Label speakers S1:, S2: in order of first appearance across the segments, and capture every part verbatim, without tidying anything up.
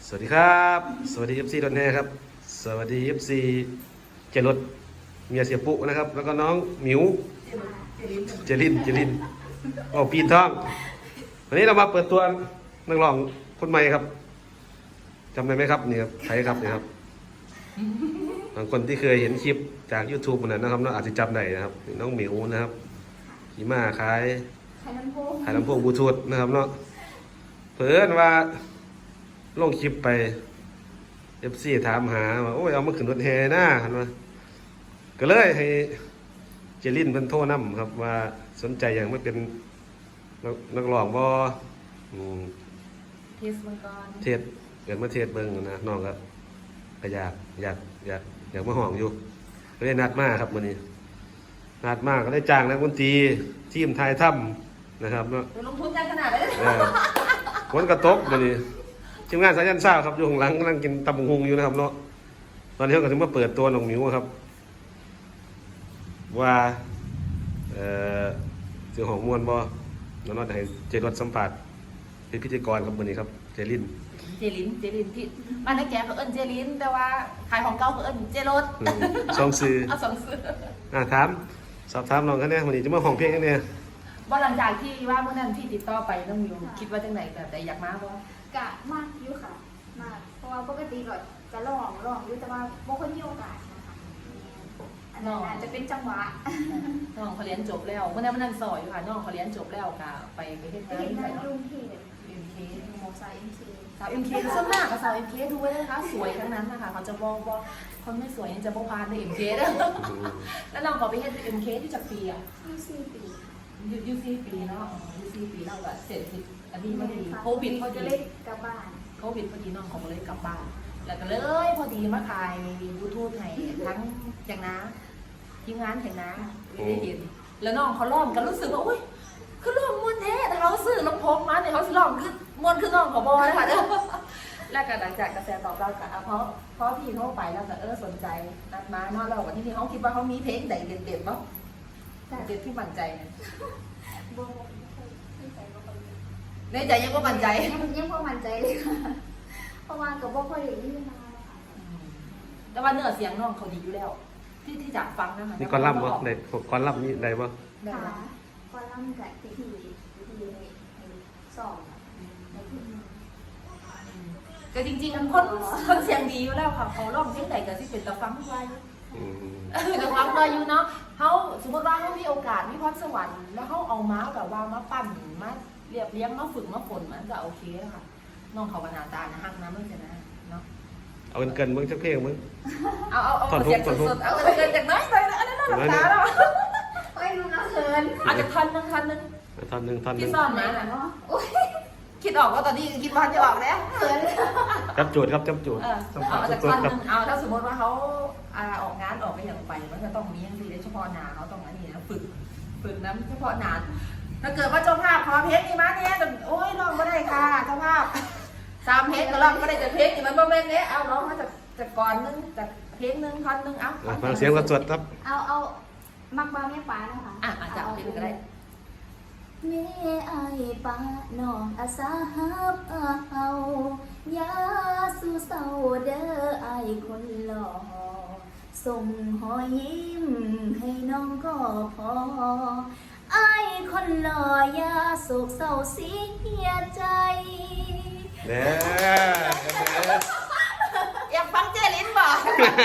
S1: สวัสดีครับสวัสดี เอฟ ซี ดอนแฮครับสวัสดี เอฟ ซี เจรถเมียเสียปุ๊นะครับแล้วก็น้องหมิวเจรินเจรินโอ้ปีนท้องวันนี้เรามาเปิดตัวนักร้องคนใหม่ครับจำได้ไหมครับนี่ครับใครครับนี่ครับบางคนที่เคยเห็นคลิปจาก YouTube นั้นนะครับเนาะอาจจะจำได้นะครับน้องหมิวนะครับขี่ม้าขายขายลำโพงขายลำโพงบลูทูธนะครับเนาะเพิ่นว่าลงคลิปไป เอฟ ซี ถามหาว่าโอ้ยเอามาขึ้นรถแห่หน้าคันว่าก็เลยให้เจรินเพิ่นโทรนำครับว่าสนใจอย่างไม่เป็นนักร้องบ่อืม
S2: เทสมังกร
S1: เทศเกิดมาเทศเบิ่งนะน้องก็ก็อยากอยากอยากอยากมาห้องอยู่ก็เลยนัดมาครับมื้อนี้นัดมาก็ได้จ้างนักดนตรีทีมทายถ้ำนะครับเนาะ
S2: ลงทุนกันขนาดนั้น
S1: เออฝนก็ตกมื้อนี้ทีมงานสายันซ่าครับอยู่ข้างหลังกำลังกินตำบักหุ่งอยู่นะครับเนาะตอนนี้เขาก็ถึงมาเปิดตัวน้องหมิวครับว่าเอ่อเสียงของมวลบ่แล้วเนาะให้เจรถสัมผัสเป็นพิธีกรครับมื้อนี้ครับเจริน
S2: เจลินเจลินที่บ้านนักแกเขาเอิ้นเจลินแต่ว่าขายของเก่าเขาเอิ้นเจรถ
S1: สองซื้อ
S2: เอาสองซื้อ
S1: อ่าถามสอบถามน้องกันแน่มื้อนี้จะมาห้องเพลงกันแน่
S2: บ่หลังจากที่ว่าเมื่อนั้นที่ติดต่อไปน้องมิวคิดว่าจังได๋แบบใดอยากมาบ่
S3: กะมากอยู่ค่ะมากเพราะว่าปกติก็จะร้องร้องอยู่แต่ว่าบ่ค่อยมีโอกาสนะคะอันนั้นอาจจะเป็นจังหวะ
S2: น้องเขาเรียนจบแล้วเมื่อนั้นเมื่อนั้นสอยอยู่ค่ะน้องเขาเรียนจบแล้วก็ไปไปเฮ็ด
S3: ไป
S2: งาน
S3: เห็น
S2: ที่
S3: งา
S2: ไหน
S3: น
S2: เนาะ
S3: ลุงเทพ
S2: เอ็มเค
S3: หมอสายเอ็มเค
S2: สาว เอ็ม เค ส่วนมากกับสาว เอ็ม เค ดูไว้นะคะสวยทั้งนั้นนะคะเขาจะบอกว่าคนไม่สวยยังจะบ่ผ่านใน เอ็ม เค เด้อแล้วน้องเขาไปเฮ็ด เอ็ม เค ที่จักปีอ่ะ
S3: ยี่สิบปี
S2: ยูยูซีปีเนาะยูซีปีเราแบบเสร็จสิอันนี้ไม่ดีโควิดพอดี
S3: จะเล่นกับบ้าน
S2: โควิดพอดีน้องเขาเลยกลับบ้านแล้วก็เลยพอดีมาถ่ายยูทูบให้ทั้งแจงน้าทีมงานแจงน้าไม่ได้เห็นแล้วน้องเขาล้อมกันรู้สึกว่าอุ้ยคือล้อมมวนแท้แต่เขาซื้อลำโพงมาเนี่ยเขาสิล้อมคือมวนคือน้องขอบอเลยค่ะเด้อแล้วก็หลังจากกระแสตอบรับกับเพราะเพราะพี่เขาไปแล้วก็เออสนใจนัดมาเนาะเราวันที่นี่เขาคิดว่าเขามีเพลงใดเด็ดๆบ้างเด็ดที่มั่นใจนะ
S3: บ่ไม่ใจบ่ค่อย
S2: ในใจยังว่ามั่นใจ
S3: ยังยังบ่มั่นใจเลยค่ะเพราะว่าก็บ่ค่อยได้ยินมาค่ะ
S2: แต่ว่าเนื้อเสียงน้องเขาดีอยู่แล้วที่ที่จากฟังนะคะ
S1: มีกอลัมน์บ่ได้กอลัมน์นี่ได้บ่
S3: ค่ะก็ล่ำกับที่ที่ที่สองในที่
S2: ก็จริงๆคนคนเสียงดีอยู่แล้วค่ะเขาร้องเพลงไหนก็สิเป็นตะฟังไว้ตะฟังไว้อยู่เนาะเขาสมมติว่าเขามีโอกาสมีพรสวรรค์แล้วเขาเอาม้าแบบว่ามาปั้นมาเรียบเลี้ยงมาฝึกมาฝนมันก็โอเคค่ะน้องเขาบรรณาตานะฮักนะเมื่อกี้นะเนาะ
S1: เอาเกินมึงจักเพลงมึง
S2: เอาเอาเอาเสียงสดๆเอาเกินจากน้อยไปนะอันนั้นน่าหลับตาแล้ว
S3: โอ้ยลุงน้าเขิน
S2: อาจจะทันนึงทันนึง
S1: ท่อนหนึ่งท่อนหนึ่ง
S2: ที่ซ่อนมาเนาะคิดออกว่าตอนนี้คิดว่าจะออกแล้วเขิน
S1: จับจูดครับจับจูด
S2: เอาจากท่อนนึงเอาถ้าสมมติว่าเขาออกงานออกไปอย่างไปมันก็ต้องมีอย่างที่เฉพาะหนาเขาต้องอันนี้นะฝึกฝึกน้ำเฉพาะหนาถ้าเกิดว่าเจ้าภาพขอเพลงนี่มาเนี่ยโอ้ยร้องก็ได้ค่ะเจ้าภาพสามเพลงก็ร้องก็ได้แต่เพลงนี่มันโมเมนต์นี้เอาร้องมาจากจากก่อนนึงจากเพลงนึงท่อนนึงเอา
S1: ฟังเสียงกระสวดครับ
S3: เอาเอามักบาแม่ป้านะคะ
S2: อ่ะอาจจะเอาเพลงก็ได้
S3: แม่ไอ้ป้าน้องอาสาฮับเอายาสู่เศร้าเด้อไอ้คนหล่อส่งหอยยิ้มให้น้องก็พอไอ้คนหล่อยาโศกเศร้าเสียใจ
S1: เด้อ
S2: อยากฟังเจลินบ่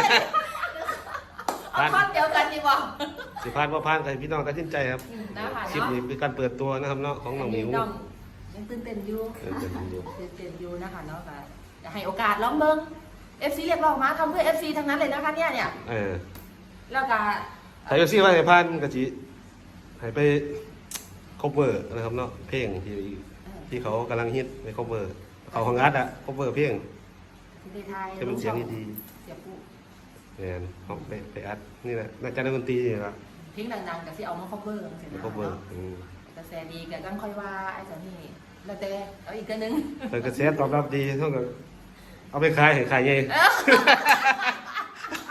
S2: เอาท่อนเดียวกันดีบ่
S1: สิพานบ่พานใครพี่น้องตัดสินใจครับคลิปนี้เป็นการเปิดตัวนะครับเนาะของน้องหมิว
S2: ยังตื่นเต้นอยู่
S1: ตื่นเต้นอยู่
S2: ตื่นเต้นอยู่นะคะเนาะก็จะให้โอกาสลองเบิ่ง เอฟ ซี เรียกร้องมาทำเพื่อ เอฟ ซี ทั้งนั้นเลยนะคะเนี่ยเนี่ย
S1: เออ
S2: แล้วก็
S1: ใคร เอฟ ซี ว่าให้พานก็สิให้ไป cover นะครับเนาะเพลงที่ที่เขากำลังฮิตไป cover เขาของอัดอะ cover เพลง
S2: ที่ไทย
S1: จะเป็นเสียงดี
S2: เสียงผู้
S1: เนี่ยเขาไปไปอัดนี่แหละน่าจะนักดนตรีนี่แหละ
S2: เพลงดังๆกับที่เอามา cover เสร็จแล้ว
S1: cover
S2: กระแสดีกับกังค่อยว่าไอ้เจ้านี่แล้วแต่เอาอีกกันนึง
S1: แต่กระแสตอบรับดีเท่ากับเอาไปขายให้ขายไง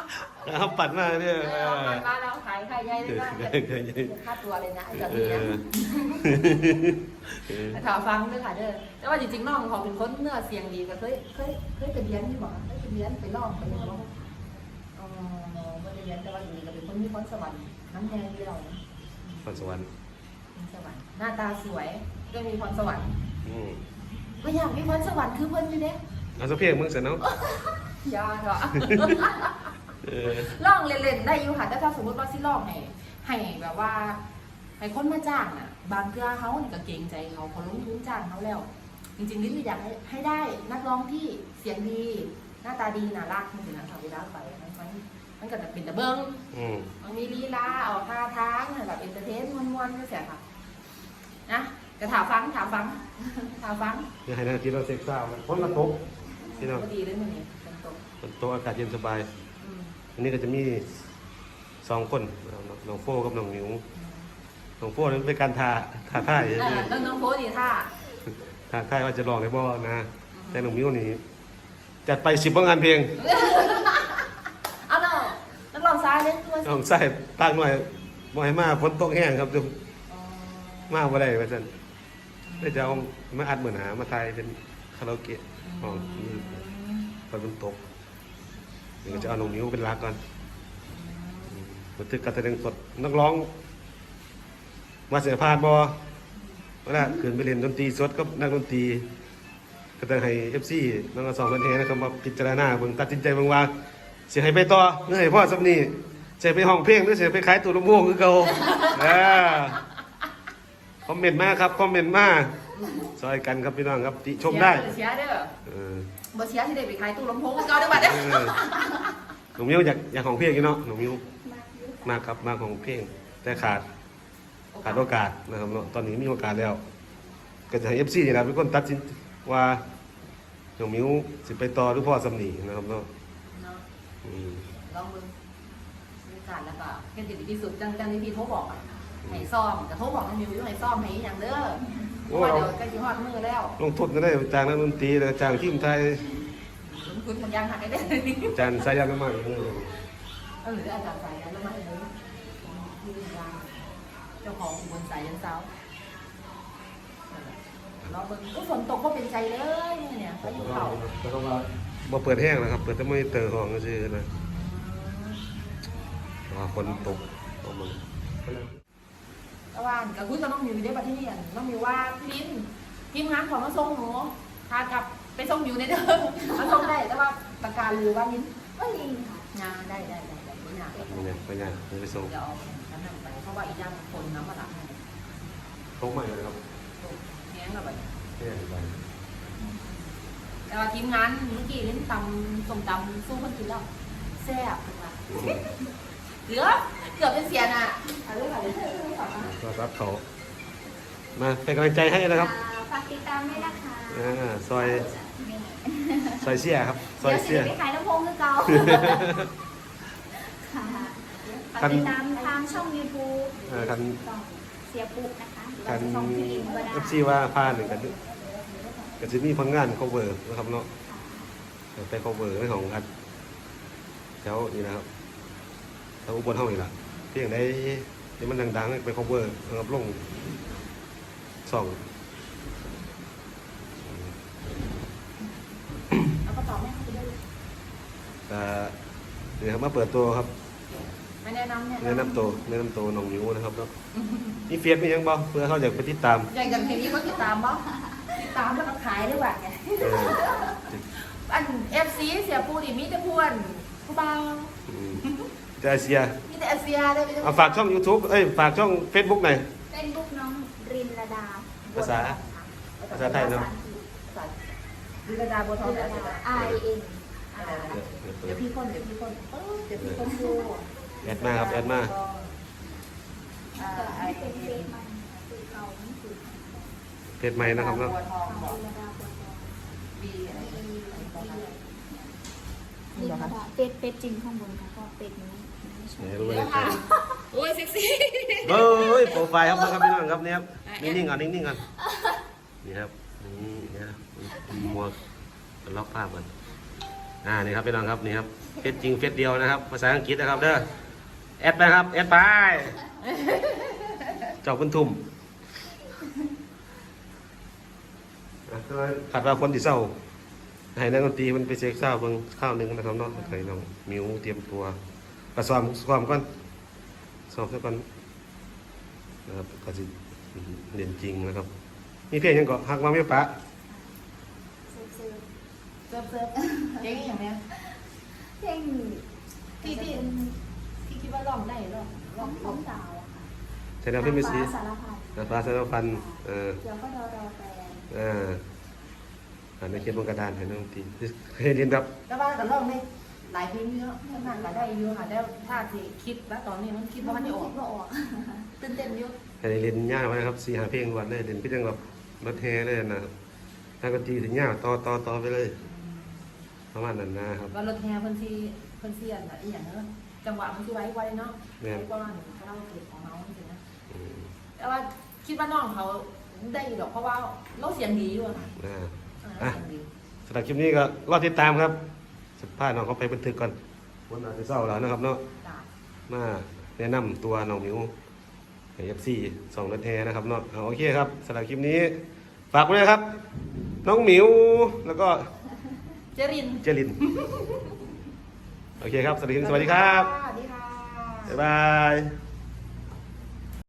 S1: เอาปัดมาเนี่ย
S2: เออเอามาแล้วขายไข่ใหญ่เลยนะอย่าอย่าค่าตัวเลยนะไอ้แบบ
S1: เอ
S2: นี้
S1: อ
S2: นะ
S1: เออ
S2: ข่าวฟังด้วยค่ะเด้อแต่ว่าจริงๆน้องเขาเป็นคนเนื้อเสียงดีก็เคยเคยเคยไปเรียนที่บอกเคยไปเรียนไปลองไปเรียนว่าอ๋อไม่ได้เรียนแต่ว่าอยู่นี่ก็เป็นคนมีพรสวรรค์น้ำแดงเดียวนะ
S1: พรสวรรค์
S2: พรสวรรค์หน้าตาสวยก็มีพรสวรรค์
S1: อืม
S2: ก็อยากมีพรสวรรค์คือเพิ่นอยู่เด้
S1: เอาสักเพลงมึงเสร็จเนาะ
S2: ยาเถอะ
S1: เออ
S2: ลองเล่นๆได้อยู่ค่ะแต่ถ้าสมมติว่าสิลองให้ให้แบบว่าให้คนมาจ้างอ่ะ บางเทื่อเขานี่ก็เกรงใจเขาเขาลงทุนจ้างเขาแล้ว จริงๆนี่คืออยากให้ให้ได้นักร้องที่เสียงดี หน้าตาดีน่ารักมันถึงนะทำเวลาไปมันมันมันก็จะเป็นตะเบิ้ง
S1: อืม
S2: มันมีลีลาออกท่าทางแบบเอนเตอร์เทนม้วนๆก็เสียค่ะนะจะถามฟังถามฟัง ถามฟัง
S1: อย่าให้นาทีเราเซ็กซ์ซ่ามันพ้นละตกพี่น้อง
S2: ก็ดีเลยมันนี่เป็นตก
S1: มันโตอากาศเย็นสบาย
S2: อืม
S1: อันนี้ก็จะมีสองคนน้องโฟกับน้องหมิวน้องโฟนั้นเป็นการทาทาท่าย
S2: เออแล้วน้องโพสดีท่า
S1: ทาท่ายว่าจะลองได้บ่นะ แต่น้องหมิวนี่จัดไปสิบงานเพลง
S2: เอาเนาะนักร้องซ้ายเล่นตัว
S1: น้องใส่ปากหน่อยบ่ให้มาฝนตกแห้งครับจุมาบ่ได้ว่าซั่นได้จะเอามาอัดเหมือนหามาถ่ายเป็นคาราโอเกะห้องนี้ฝนมันตกเดี๋ยวก็จะเอาน้องหมิวเป็นหลักก่อนบันทึกการแสดงสดนักร้องมาเสียพานบอเวลาขึ้นไปเล่นดนตรีสดก็นักดนตรีก็ต้องให้ เอฟ ซี น้องกระสองพันเทนะครับมาพิจารณาเบิ่งตัดสินใจเบิ่งว่าเสียให้ไปต่อเนื่อให้พ่อสักนี้เสียไปห้องเพลงหรือเสียไปขายตัวลำโพงคือเก่าเออคอมเมนต์มาครับคอมเมนต์มาซอยกันครับพี่น้องครับติชมได้
S2: เชียร์เด้อ
S1: เออ
S2: บ่เชียร์ที่ได้ไปขายตู้ลำโพงก็ได้บัดเด้อ
S1: เออหนุ่มมิวอยากอยากของเพลงอยู่เนาะหนุ่มมิว
S3: มากอยุ่
S1: มากครับมากของเพลงแต่ขาด ขาดโอกาสนะครับเนาะตอนนี้มีโอกาสแล้ว ก็จะให้ เอฟ ซี นี่แหละเป็นคนตัดสินว่าน้องมิวสิไปต่อหรือพ่อสำนีนะครับเนาะ
S2: เนาะ
S1: อืม
S2: ลองเบิ่งบรรยากาศแล้วก็เฮ็ดดีที่สุดจังจังที่พี่โทรบอกอะให้ซ่อมแต่โทรบอกให้มิวอยู่ให้ซ่อมให้อย่างเด้อเพราะว่าเดี๋ยวใกล้สิฮอดมื้อแล้ว
S1: ลงทุนก็ได้จ้างนักดนตรีแล้วจ้างทีมไทย
S2: ลงทุนมันยังหักได้
S1: จ้างสายยางน้ำมันเออ
S2: เออหรืออาจารย์สายยันแล้วมาเลยที่ยางเจ้าของอุบลสายยันเสาเราเบิ่งอุ๊ยฝนตกก็เป็นใจเลยเนี่ยพายุเข้า
S1: แต่ก็ว่าบ่เปิดแห้งนะครับ เปิดแต่ไม่เตอร์ห้องก็ซื่อนะว่าฝนตกตกมัน
S2: ตะวันกับคุณกับน้องมิวได้ปะที่นี่น้องมิวว่าพี่ลินทีมงานของมาส่งหนูพากลับไปส่งมิวในเด้อมาส่งได้แต่ว่าประกาศหรือว่าลิน
S3: ก็ลิงค่ะ
S2: งานได้ได้ได้ได้ไม่ยาก
S1: ไม่ยากไม่ยากไม่ไปส่ง
S2: เดี๋ยวเอาฉันนำไปเพราะว่าอีกอย่างคนน้ำมาหลับให้
S1: ตกใหม่เลยครับ
S2: แง้งกับไป
S1: แห้งไป
S2: แต่ว่าทีมงานเมื่อกี้ลินตำส้มตำสู้คนกินแล้วแซ่บค่ะเหลือเกือบเป็นเสียน่ะเอาเลยค่ะเลย
S1: ก็รับเขามาเป็นกำลังใจให้นะครับ
S3: อ่าฝากติดตามด้วยนะคะ
S1: อ่าซอย
S3: นี่
S1: ซอยเสียครับซอย
S3: เดี๋ยว
S1: เสีย
S3: จะไปขายลำโพงคือเก่าค่ะฝากติดตามทางช่อง YouTube
S1: เออคัน
S3: ของเสียปุ๊กนะคะหรือ
S1: คั
S3: ว่าน จะช่องพี่อิมก็ได้
S1: เอฟซีว่าพาหนึ่งกันก็จะมีผลงาน cover นะครับเนาะไป cover เรื่องของอัดแถวนี่นะครับแถวอุบลเท่านี้ล่ะเพียงได้ที่มันดังๆไป cover นะครับลงสอง
S2: เอากระเป๋าแม่เข้าไปด้วย
S1: แต่เดี๋ยวครับมาเปิดตัวครับ
S2: ไม่แนะนำเนี่ย
S1: แนะนำตัวแนะนำตัวน้องมิวนะครับเนาะมีเฟียสมียังบ่เพื่อเขาอยากไปติดตาม
S2: อย่างอย่างเพลงนี้ก็ติดตามบ่ติดตามแล้วก็ขายด้วยว่ะไง
S1: เออ
S2: อันเอฟซีเสียปูดิมีแต่พวนผู้บ่าว
S1: อืมจะเสีย
S2: มีแต่เอเซียได้ไป
S1: เอาฝากช่อง YouTube เอ้ยฝากช่อง Facebook หน่อย
S3: เฟซบุ๊กน้องรินระดา
S1: ภาษา ภาษาไทยเนาะ
S2: ดิลดาบัวทองแต่
S3: ไอเอ็น
S2: เดี๋ยวพี่คนเดี๋ยวพี่คนเออเดี๋ยวพี่คนดู
S1: แอดมาครับแอดมา
S2: อ่าไอ
S3: เป็นเฟ
S2: เอ็น
S3: ซมันคือเขานี่คือ
S1: เพจใหม่นะครับเนาะ
S2: บัวทอง
S3: น้
S2: บ
S3: อ
S2: อง ก
S3: รินระดาบัวทอง
S2: บีอะไร
S3: มี
S2: อะไรตอนนั้น
S3: รินระดาเป็ดเป็ดจริงข้างบนค่ะก็เป็ดนี้ไม่ใช่
S1: ไหนรู้เลย
S2: ค่ะโอ้ยเซ็กซี่
S1: เบ้ยโปรไฟล์ครับครับพี่น้องครับเนี่ยครับนิ่งๆก่อนนิ่งๆก่อนนี่ครับนี่นะครับมัวล็อกภาพก่อนอ่านี่ครับพี่น้องครับนี่ครับเฟซจริงเฟซเดียวนะครับภาษาอังกฤษนะครับเด้อแอดไปครับแอดไปเจ้าคุณทุ่มอ่ะขัดว่าคนที่เศร้าให้นักดนตรีมันไปเช็คเศร้าเบิ่งข้าวหนึงนะครับเนาะให้น้องมิวเตรียมตัวกระซ้อมซ้อมก่อนซ้อมซะก่อนนะครับก็สิเรียนจริงนะครับมีเพลงยังก็ฮักมาไม่ปะ
S3: ซื้อ
S2: เซิร์ฟเซิร์ฟเพลงอย่างเนี้ย
S3: ๆเพลง
S2: ที่ที่ที่คิดว่าร้องได้ร้อง
S3: ร้
S2: ร้
S3: อ
S2: อง ง
S3: ของดาวอะค่ะ
S1: ใช่แล้วพี่ไม่ซี
S3: ฟ้าสารพัด
S1: นะฟ้าสารพันเออ
S3: เดี๋ยวก็รอรอแฟน
S1: อ่าอ่านในเขียนบนกระดานให้น้องตีเคยเรียนแบบ
S2: แต่ว่าก็ร้องได้หลายเพลงเยอะขนาดก็ได้เยอะค่ะแล้วถ้าที่คิดแล้วตอนนี้มันคิดว่ามันจะออก
S3: คิดว่าออก
S2: ตื่นเต้นเยอะ
S1: ให้เรียนยากไว้นะครับสี่หาเพลงวันเลยเรียนพี่จังแบบรถแห่เลยนะครับนักดนตรีถึงยากต่อต่อต่อไปเลยประมาณนั้นนะครับ
S2: ว่ารถแห่เพิ่นที่เพิ่นเสียนอะอีหยังเนอะจังหวะมันสิไว้ไว้เนาะ
S1: แม่น
S2: ไว้ก่อนก็เล่าเก็บของเฮาจริงๆนะ
S1: อืม
S2: แต่ว่าคิดว่าน้องเขาได้อยู่ดอกเพราะว่าเราเสียงดีอยู่อะค่ะ
S1: อ่า
S2: เออ
S1: อ่ะ
S2: เสียงดี
S1: สำหรับคลิปนี้ก็รอติดตามครับสัมภาษณ์น้องเขาไปบันทึกก่อนวันอาจจะเศร้าแล้วนะครับเนาะ
S2: จ้ะ
S1: มาแนะนำตัวน้องมิวเอฟซีสองรถแห่นะครับเนาะเอาโอเคครับสำหรับคลิปนี้ฝากไว้เลยครับ น้องหมิวแล้วก็
S2: เจริน
S1: เจริน โอเคครับ สวัสดีครับ สวัสดีครับ
S2: สวัสดีค่ะ
S1: บ๊ายบาย